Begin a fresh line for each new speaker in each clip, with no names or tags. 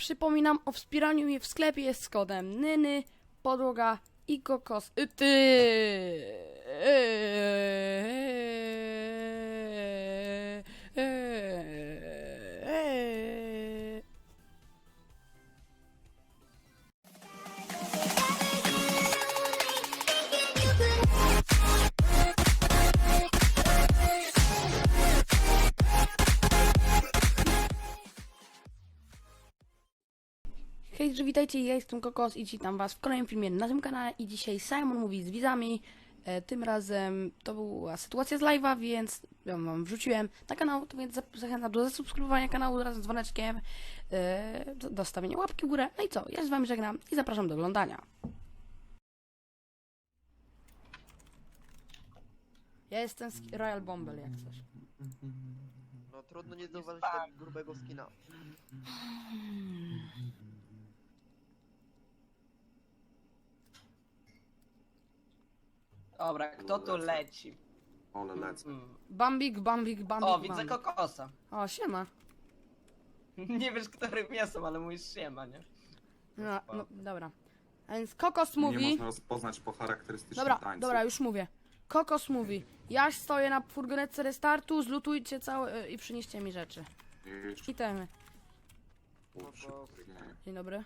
Przypominam o wspieraniu mnie w sklepie jest z kodem Nyny, podłoga i kokos. Hej, witajcie, ja jestem Kokos i witam was w kolejnym filmie na tym kanale i dzisiaj Simon mówi z widzami. Tym razem to była sytuacja z live'a, więc ja wam wrzuciłem na kanał, to więc zachęcam do zasubskrybowania kanału razem z dzwoneczkiem, do stawienia łapki w górę. No i co, ja z wami żegnam i zapraszam do oglądania. Ja jestem Royal Bomber, jak coś.
No trudno nie zauważyć tego grubego skina.
Dobra, kto tu leci?
One lecą.
Bambik.
O, widzę kokosa.
O, siema.
Nie wiesz, którym jestem, ale mówisz siema, nie?
No, dobra. A więc Kokos
Nie
mówi...
można rozpoznać po charakterystycznym tańcu.
Dobra, już mówię. Kokos mówi, ja stoję na furgonetce restartu, zlutujcie całe i przynieście mi rzeczy.
Jeszcze
Itemy.
szybko.
Dzień dobry.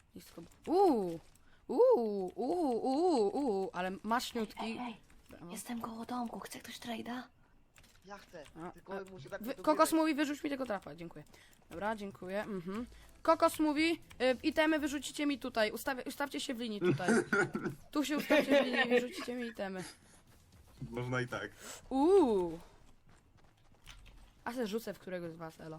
Ale maśniutki.
Ej, jestem koło domku, chce ktoś trade'a?
Ja chcę,
A,
tylko muszę tak
Kokos mówi, wyrzuć mi tego trapa, dziękuję. Dobra, dziękuję. Kokos mówi, itemy wyrzucicie mi tutaj, ustawcie się w linii tutaj. Tu się ustawcie w linii i wyrzucicie mi itemy.
Można i tak.
A se rzucę w któregoś z was, elo.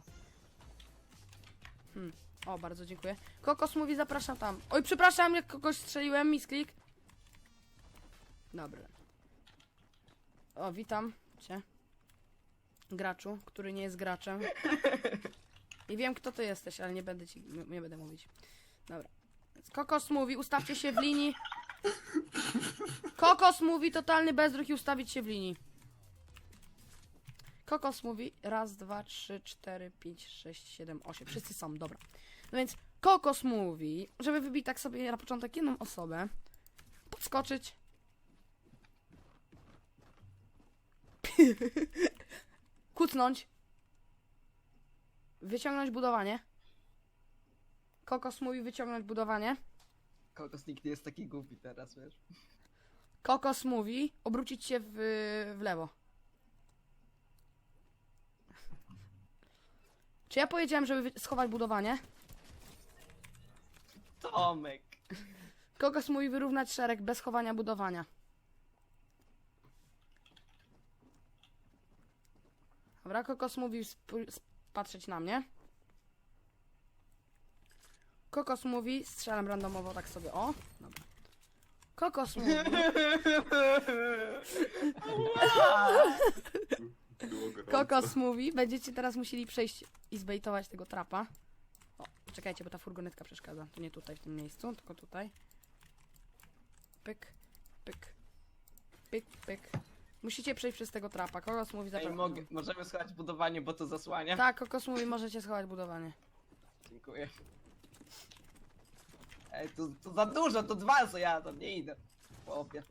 O, bardzo dziękuję. Kokos mówi, zapraszam tam. Oj, przepraszam, jak kogoś strzeliłem, misklik. Dobra. O, witam cię. Graczu, który nie jest graczem. I wiem, kto ty jesteś, ale nie będę mówić. Dobra. Więc Kokos mówi, ustawcie się w linii. Kokos mówi, totalny bezruch i ustawić się w linii. Kokos mówi, raz, dwa, trzy, cztery, pięć, sześć, siedem, osiem. Wszyscy są, dobra. No więc Kokos mówi, żeby wybić tak sobie na początek jedną osobę, podskoczyć. Kucnąć. Wyciągnąć budowanie. Kokos mówi wyciągnąć budowanie.
Kokos nikt nie jest taki głupi teraz, wiesz?
Kokos mówi obrócić się w lewo. Czy ja powiedziałem, żeby schować budowanie?
Tomek!
Kokos mówi wyrównać szereg bez chowania budowania. Dobra, Kokos mówi patrzeć na mnie. Kokos mówi, strzelam randomowo tak sobie, o. Dobra. Kokos mówi...
Było gorąco.
Kokos mówi, będziecie teraz musieli przejść i zbejtować tego trapa. O, czekajcie, bo ta furgonetka przeszkadza. To nie tutaj, w tym miejscu, tylko tutaj. Pyk, pyk, pyk, pyk. Musicie przejść przez tego trapa. Kokos mówi,
Ej, możemy schować budowanie, bo to zasłania?
Tak, Kokos mówi, możecie schować budowanie.
Dziękuję. Ej, to za dużo, to dwa, co ja tam nie idę. Chłopie.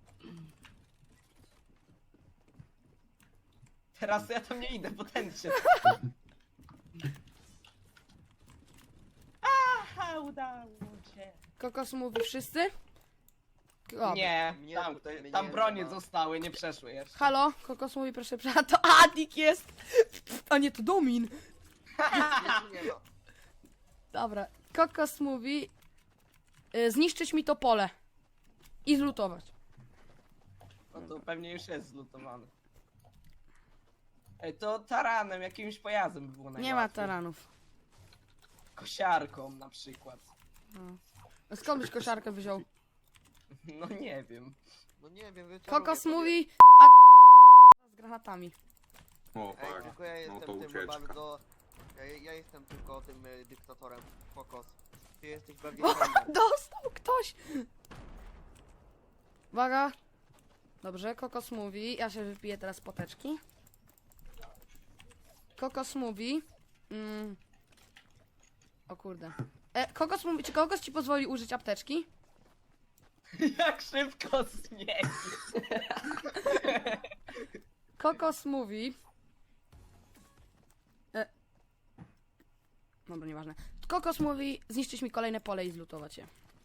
Teraz ja tam nie idę, bo ten się... Aha, udało się.
Kokos mówi, wszyscy? O,
Nie,
Mnie
tam,
tutaj mnie
tam
nie
bronie
ma.
zostały, nie przeszły jeszcze.
Halo? Kokos mówi, proszę, to Adik jest! A nie, to Domin!
Nie ma.
Dobra, Kokos mówi zniszczyć mi to pole i zlutować.
No to pewnie już jest zlutowany. Ej, to taranem, jakimś pojazdem by było najłatwiej.
Nie ma taranów.
Kosiarką na przykład.
No skąd byś kosiarkę wziął?
No nie wiem.
No nie wiem, wiecie.
Kokos mówi z granatami.
O,
Ej,
tak.
tylko ja
No
jestem
to
tym
ucieczka.
bardzo... Ja jestem tylko tym dyktatorem. Kokos. Ty jesteś bardziej
O,
frontem.
dostał ktoś! Uwaga. Dobrze, Kokos mówi. Ja się wypiję teraz poteczki. Kokos mówi. O kurde. Kokos mówi, czy Kokos ci pozwoli użyć apteczki?
Jak szybko zmieni.
Kokos mówi... Dobra, nieważne. Kokos mówi zniszczyć mi kolejne pole i zlutować je.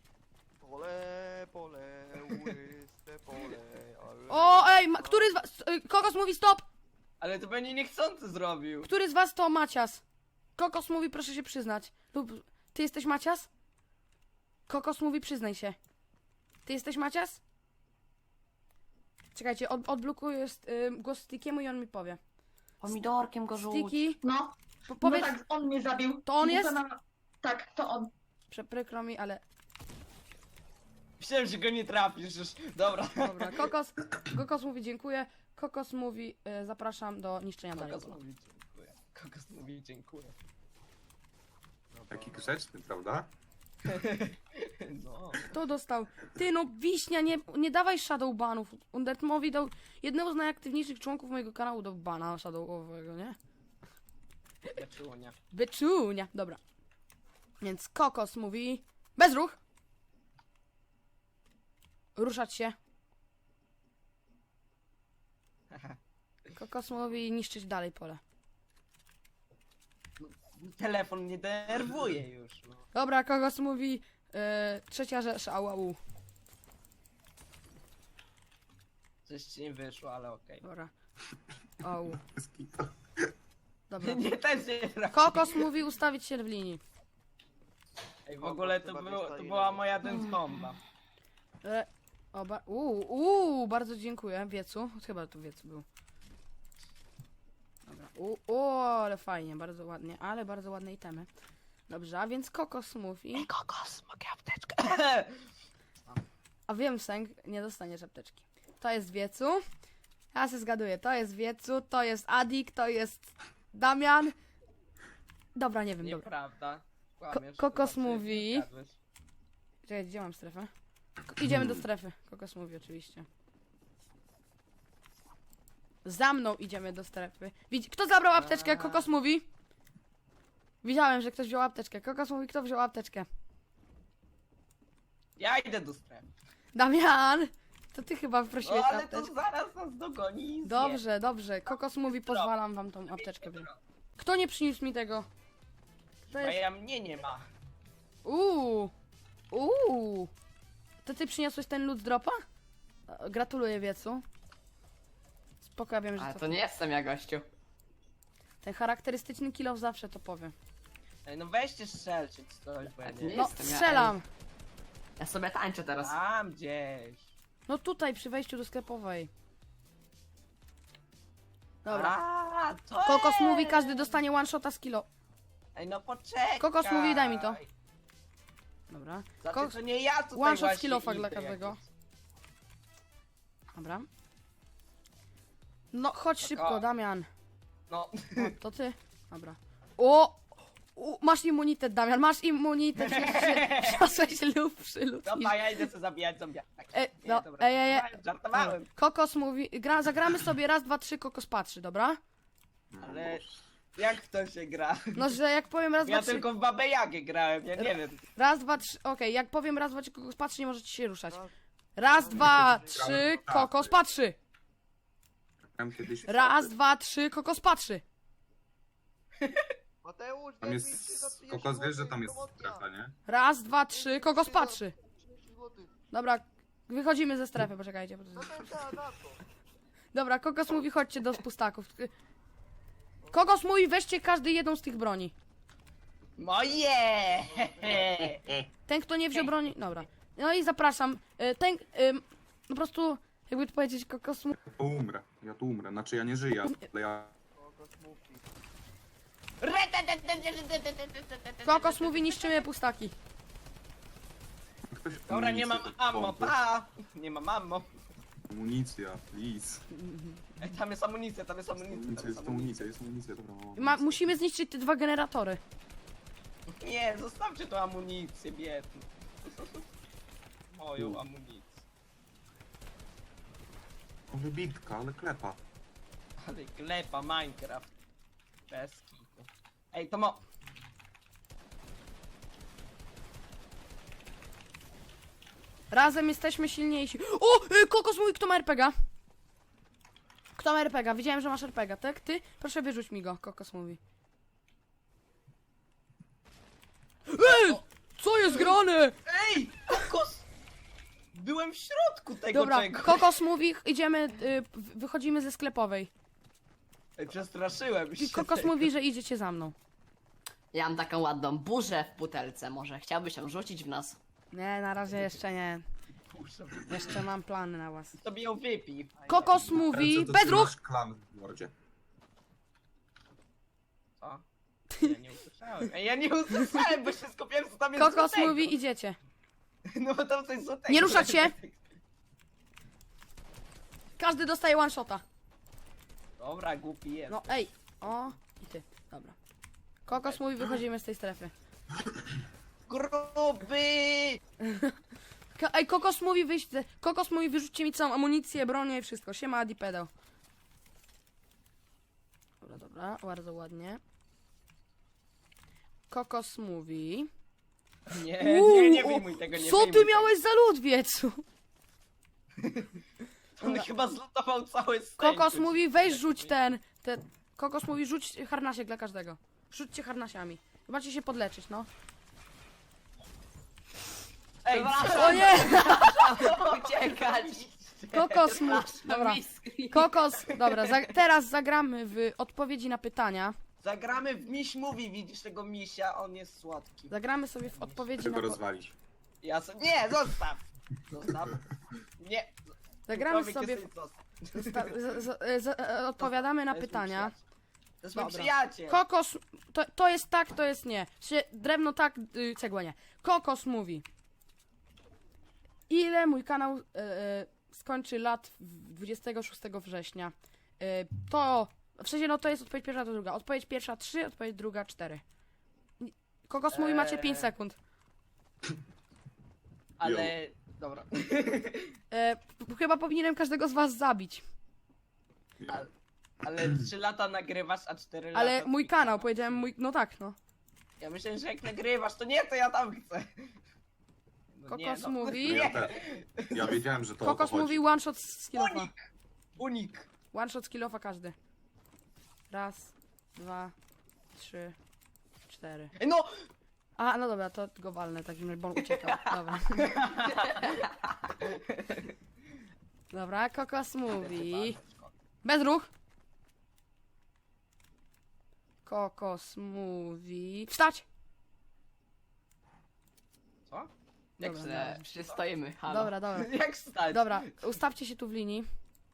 Pole, łyste pole, ale...
O, ej, który z was... Kokos mówi stop!
Ale to pewnie niechcący zrobił.
Który z was to Macias? Kokos mówi proszę się przyznać. Lub... Ty jesteś Macias? Kokos mówi przyznaj się. Ty jesteś Macias? Czekajcie, odblokuję głos Stickiemu i on mi powie.
Pomidorkiem go rzuć.
Sticky,
No,
powiedz...
no tak, on mnie zabił.
To on jest?
Tak, to on.
Przykro mi, ale...
Myślałem, że go nie trafisz już. Dobra.
Dobra, Kokos mówi dziękuję. Kokos mówi zapraszam do niszczenia dalej.
Kokos mówi dziękuję. Kokos mówi dziękuję.
Taki grzeczny, prawda?
No.
Kto dostał? Ty no, Wiśnia, nie dawaj shadowbanów. Undertmowi dał jednego z najaktywniejszych członków mojego kanału do bana shadowowego, nie?
Beczunia.
Beczunia. Dobra. Więc Kokos mówi... Bezruch! Ruszać się. Kokos mówi niszczyć dalej pole.
Telefon mnie denerwuje już. No.
Dobra, Kokos mówi... trzecia rzecz, au.
Coś ci nie wyszło, ale okej.
Dobra. Au.
Bez kitu.
Dobra.
Nie, też nie trafi.
Kokos mówi ustawić się w linii.
Ej, w ogóle to była moja dance bomba.
Bardzo dziękuję. Chyba to wiecu był. Dobra. Ale fajnie, bardzo ładnie, ale bardzo ładne itemy. Dobrze, a więc Kokos mówi...
Kokos, mogę apteczkę?
A wiem, Sęk, nie dostaniesz apteczki. To jest wiecu. Ja się zgaduję, to jest wiecu, to jest Adik, to jest Damian. Dobra, nie wiem, dobra.
Nieprawda. Kłamiesz,
Kokos
to znaczy,
mówi-
nie zgadłeś.
Czekaj, gdzie mam strefę? Idziemy do strefy. Kokos mówi oczywiście. Za mną idziemy do strefy. Kto zabrał apteczkę? Kokos mówi. Widziałem, że ktoś wziął apteczkę. Kokos mówi, kto wziął apteczkę.
Ja idę do strefy.
Damian! To ty chyba
No
prosiłeś
ale to
apteczkę.
zaraz nas dogoni i zje.
Dobrze. Kokos mówi, pozwalam wam tą apteczkę wziąć. Kto nie przyniósł mi tego? To
A
jest...
ja mnie nie ma.
To ty przyniosłeś ten loot dropa? Gratuluję, wiecu. Spoko, ja wiem, że
Ale
to...
to nie jestem ja, gościu.
Ten charakterystyczny kill zawsze to powie.
Ej, no weźcie strzelcie czy coś, bo ja
A ty
nie
nie
No,
jestem ja,
strzelam!
Ja sobie tańczę teraz.
Tam gdzieś.
No tutaj, przy wejściu do sklepowej. Dobra.
A, to
Kokos
jest.
mówi, każdy dostanie one shota z kilo.
Ej, no poczekaj.
Kokos mówi, daj mi to. Dobra.
Znaczy, to nie ja tutaj
One shot
właśnie
z kilofa dla
idę
każdego.
jakoś.
Dobra. No, chodź szybko, Damian.
No,
O, to ty. Dobra. Masz immunitet, Damian, masz immunitet. Przyniosłeś lub przylud.
dobra, ja idę sobie zabijać zombiaka.
Ej.
Żartowałem.
Kokos mówi, zagramy sobie raz, dwa, trzy, Kokos patrzy, dobra?
Ale jak to się gra?
No, że jak powiem raz, dwa,
Ja
trzy,
tylko w Babę Jagę grałem, ja nie wiem.
raz, dwa, trzy, okej, jak powiem raz, dwa, trzy, Kokos patrzy, nie możecie się ruszać.
Tak.
Raz, dwa, trzy, Kokos patrzy.
Tam kiedyś...
Raz, dwa, trzy, Kokos patrzy.
Mateusz,
Tam
daj mi
jest...
30
Kokos wiesz, że tam jest
promocja.
strefa, nie?
Raz, dwa, trzy, Kokos patrzy.
30 złotych.
Dobra, wychodzimy ze strefy, poczekajcie.
No to za to.
Dobra, Kokos mówi, chodźcie do pustaków. Kokos mówi, weźcie każdy jedną z tych broni.
Moje!
Ten, kto nie wziął broni... Dobra. No i zapraszam. Po prostu, jakby to powiedzieć, Kokos mówi...
Ja tu umrę. Znaczy ja nie żyję, ale ja...
Kokos mówi.
Kokos mówi, niszczymy pustaki.
Ktoś
Dobra, nie mam
amunicję,
ammo,
pompy.
pa! Nie mam ammo.
Amunicja, please.
Ej, tam jest amunicja, tam jest amunicja.
Amunicja, jest amunicja, dobra.
Musimy zniszczyć te dwa generatory.
Nie, zostawcie tą amunicję, biedny. Moją amunicję.
O, wybitka, ale klepa.
Ale klepa Minecraft. Bez kitu. Ej, to mo...
Razem jesteśmy silniejsi. O! Kokos mówi, kto ma RPGa? Kto ma RPGa? Widziałem, że masz RPGa, tak? Ty? Proszę wyrzuć mi go, Kokos mówi. Ej! Co jest grane?
Ej! Kokos! Byłem w środku tego
Dobra,
czegoś.
Kokos mówi, idziemy, wychodzimy ze sklepowej.
Ej, przestraszyłem się.
Kokos mówi, że idziecie za mną.
Ja mam taką ładną burzę w butelce, może chciałbyś ją rzucić w nas?
Nie, na razie jeszcze nie.
Muszę.
Jeszcze mam plany na was.
Sobie ją wypij.
Kokos mówi,
Ręce to
bez ruch!
trzymasz klan w mordzie.
Co? Ja nie usłyszałem. Ej, ja nie usłyszałem, bo się skupiłem, co tam jest
Kokos
złotego.
mówi, idziecie.
No bo tam coś złotego.
Nie ruszać się! Każdy dostaje one shota.
Dobra, głupi jest.
No ej, o i ty, dobra. Kokos mówi, wychodzimy z tej strefy.
Gruby!
Ej, Kokos mówi, Kokos mówi, wyrzućcie mi całą amunicję, bronię i wszystko. Siema, Adi pedał. Dobra, dobra, bardzo ładnie. Kokos mówi...
Nie wyjmuj tego, nie
Co
wyjmuj
ty
tego.
miałeś za lód, wiecu?
On chyba zlutował cały stek.
Kokos mówi, weź rzuć Kokos mówi, rzuć harnasiek dla każdego. Rzućcie harnasiami. Macie się podleczyć, no.
Ej,
O nie!
Uciekać!
Kokos mówi...
Przepraszam,
Dobra.
miski.
Kokos, dobra, teraz zagramy w odpowiedzi na pytania.
zagramy w Miś Mówi, widzisz tego misia? On jest słodki.
Zagramy sobie w odpowiedzi
Chcę
na...
go rozwalić.
Ja nie, zostaw! Zostaw. Nie.
Zagramy
Człowiek
sobie...
jesteś, zostaw.
Odpowiadamy na
To jest mój
pytania.
przyjaciel. To jest mój
Dobra.
przyjaciel.
Kokos... To jest tak, to jest nie. Drewno tak, cegła nie. Kokos mówi. Ile mój kanał skończy lat 26 września? To... W sensie, no to jest odpowiedź pierwsza, to druga. Odpowiedź pierwsza 3, odpowiedź druga 4. Kokos mówi, macie 5 sekund.
Ale... Dobra.
Chyba powinienem każdego z was zabić.
Ale 3 lata nagrywasz, a 4 lata...
Ale mój kanał,
kanał.
powiedziałem mój... No tak, no.
Ja myślę, że jak nagrywasz, to nie, to ja tam chcę. No nie,
Kokos
no.
mówi...
Ja też. Ja wiedziałem, że to
Kokos
o to chodzi.
mówi one shot z killofa.
Unik.
One shot z killofa każdy. Raz, 2, 3, 4.
Ej, no!
A, no dobra, to go walnę, takim razie, bo on uciekał. Dobra. Dobra, Kokos mówi... Bez ruch! Kokos mówi... Wstać!
Co?
Jak
Dobra,
se, przecież stoimy, halo.
Dobra, dobra.
Jak stać?
Dobra, ustawcie się tu w linii.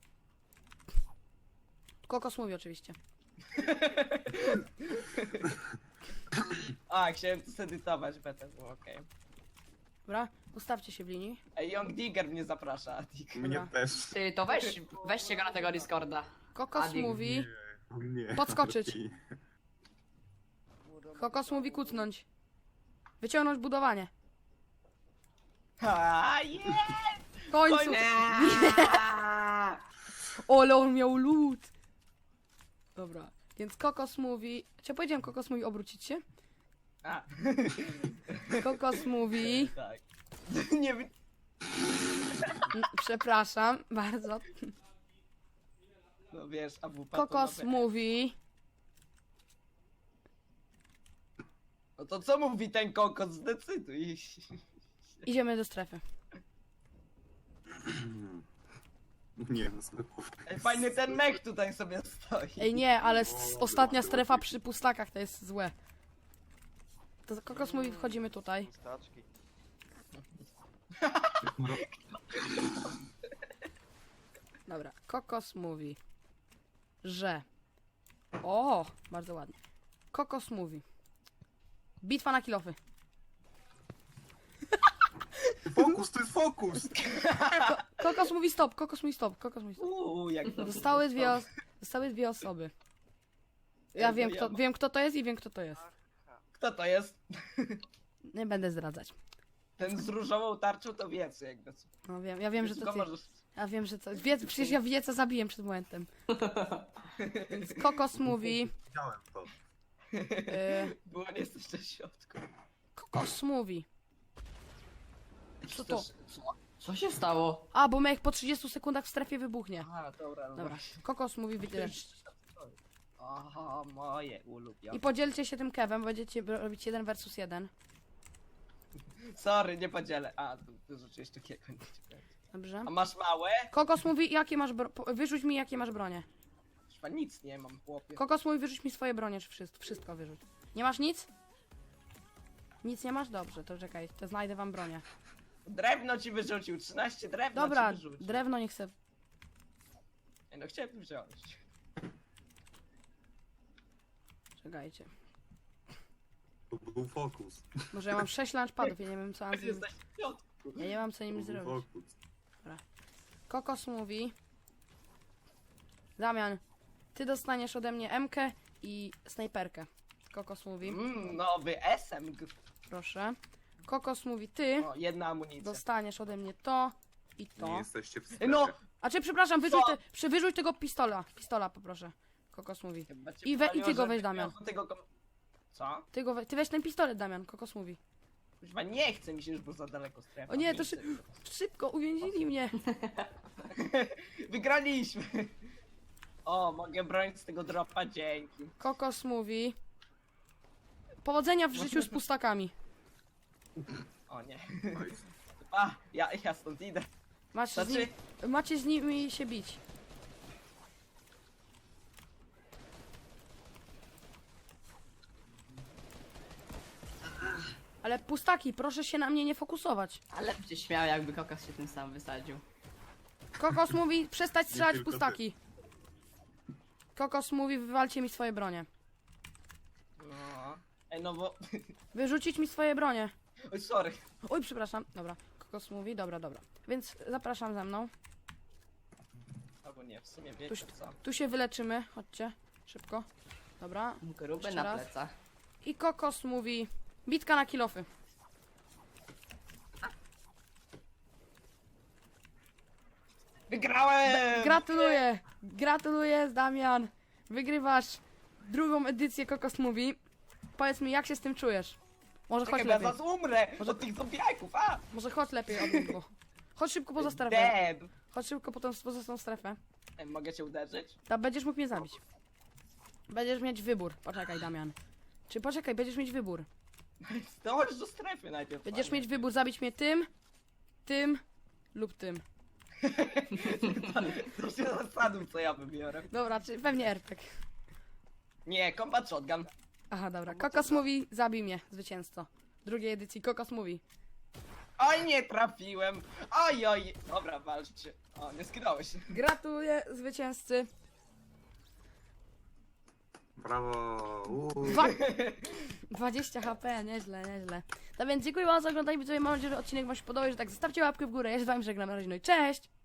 Kokos mówi oczywiście.
A, chciałem zedytować, będę było okej.
Dobra, ustawcie się w linii.
Ej, Young Digger mnie zaprasza, Adik.
Mnie też.
Ty, to weźcie go na tego Discorda.
Kokos
Adik.
mówi...
Nie.
Podskoczyć. Kokos mówi kucnąć. Wyciągnąć budowanie.
A, jest!
W końcu! Ole, on miał lód! Dobra, więc Kokos mówi... Czy ja powiedziałem Kokos mówi obrócić się?
A.
Kokos mówi...
Tak. Nie wiem.
Przepraszam bardzo.
No wiesz, AWP
Kokos
to
mówi...
No to co mówi ten kokos? Zdecyduj.
Idziemy do strefy.
Nie, no sklepów.
Ej, fajny ten mech tutaj sobie stoi.
Ej nie, ale ostatnia strefa przy pustakach to jest złe. To Kokos mówi, wchodzimy tutaj.
Pustaczki.
Dobra, Kokos mówi, że... O, bardzo ładnie. Kokos mówi. Bitwa na kilofy.
Fokus, to jest fokus!
Kokos mówi stop, Kokos mówi stop, Kokos mówi stop.
Jak to
Zostały dwie osoby. Ja
Ja
wiem,
wiem.
wiem kto to jest i wiem kto to jest.
Kto to jest?
Nie będę zdradzać.
Ten z różową tarczą to wiec jakby.
No wiem, ja wiem, że to
Tylko
ty.
możesz...
Ja wiem, że to... Przecież ja wie co zabiłem przed momentem. Więc Kokos mówi...
Widziałem to.
Było nie jesteś w środku.
Kokos mówi. Co to?
Co?
Co się stało?
A, bo Mech po 30 sekundach w strefie wybuchnie.
Aha, dobra, no
Dobra,
właśnie.
Kokos mówi wytycz.
Aha, moje ulubione.
I podzielcie się tym kewem, będziecie robić 1 versus 1.
Sorry, nie podzielę. A, to rzeczywiście takiego nie chciałem.
Dobrze.
A masz małe?
Kokos mówi, jakie masz wyrzuć mi, jakie masz bronie.
Chyba nic nie mam, chłopie.
Kokos mówi, wyrzuć mi swoje bronie, czy wszystko wyrzuć. Nie masz nic? Nic nie masz? Dobrze, to czekaj, to znajdę wam bronię.
Drewno ci wyrzucił, 13 drewna
Dobra,
ci wyrzucił.
drewno nie chcę.
Ej, no chciałem wziąć.
Czekajcie.
To był fokus.
Może ja mam 6 launchpadów, ja nie wiem co mam z nim...
Jesteś w środku.
Ja nie mam co
To
nim
był
zrobić.
fokus.
Kokos mówi... Damian, ty dostaniesz ode mnie MK i snajperkę. Kokos mówi,
Nowy SMG.
proszę. Kokos mówi, ty
O, jedna amunicja.
dostaniesz ode mnie to i
Nie
to.
jesteście w strefie.
No!
A czy przepraszam, wyrzuć,
Co?
wyrzuć tego pistola. Pistola poproszę. Kokos mówi.
Chyba cię
I
powaliło,
ty go
że
weź, Damian.
miał Tego Co?
Ty weź ten pistolet, Damian. Kokos mówi.
Chyba nie chce mi się już, bo za daleko strefa.
O nie, to
chcę.
szybko, uwięzili mnie.
Wygraliśmy! O, mogę bronić z tego dropa, dzięki.
Kokos mówi. Powodzenia w życiu z pustakami.
O nie.
Oj,
A, ja stąd idę. Znaczy,
Macie z nimi się bić. Ale pustaki, proszę się na mnie nie fokusować.
Ale bym się śmiał, jakby kokos się tym sam wysadził.
Kokos mówi przestać strzelać w
tylko
pustaki. Kokos mówi wywalcie mi swoje bronie.
no. Ej, no bo...
Wyrzucić mi swoje bronie.
Oj, sorry.
Oj, przepraszam. Dobra. Kokos mówi, dobra. Więc zapraszam ze mną.
Albo nie, w sumie wiecie co.
Tu się wyleczymy. Chodźcie. Szybko. Dobra.
Gruby
Jeszcze
na
raz.
plecach.
I Kokos mówi bitka na kilofy.
Wygrałem!
Gratuluję, Damian. Wygrywasz drugą edycję Kokos mówi. Powiedz mi, jak się z tym czujesz? Może chodź
Czekaj, bo ja
lepiej.
zaraz umrę
Może-
od tych zombiaków, a!
Może chodź lepiej od niego. Chodź szybko poza strefę.
Dead!
Chodź szybko poza tą strefę.
Ej, mogę cię uderzyć?
Ta będziesz mógł mnie zabić. Będziesz mieć wybór. Poczekaj, Damian. Czy poczekaj, będziesz mieć wybór.
Zdążysz do strefy najpierw.
Będziesz
panie.
mieć wybór zabić mnie tym lub tym.
To się zastanów, co ja wybiorę.
Dobra, czy pewnie RPG.
Nie, combat shotgun.
Aha, dobra. Kokos mówi, zabij mnie, zwycięzco. Drugiej edycji Kokos mówi.
Oj, nie trafiłem. Oj. Dobra, walczcie. O, nie skidałeś.
Gratuluję zwycięzcy.
Brawo!
20 HP, nieźle. No więc dziękuję wam za oglądanie, widzowie. Mam nadzieję, że odcinek wam się podobał, że tak zostawcie łapkę w górę. Ja się z wami żegnam, na razie, no i cześć!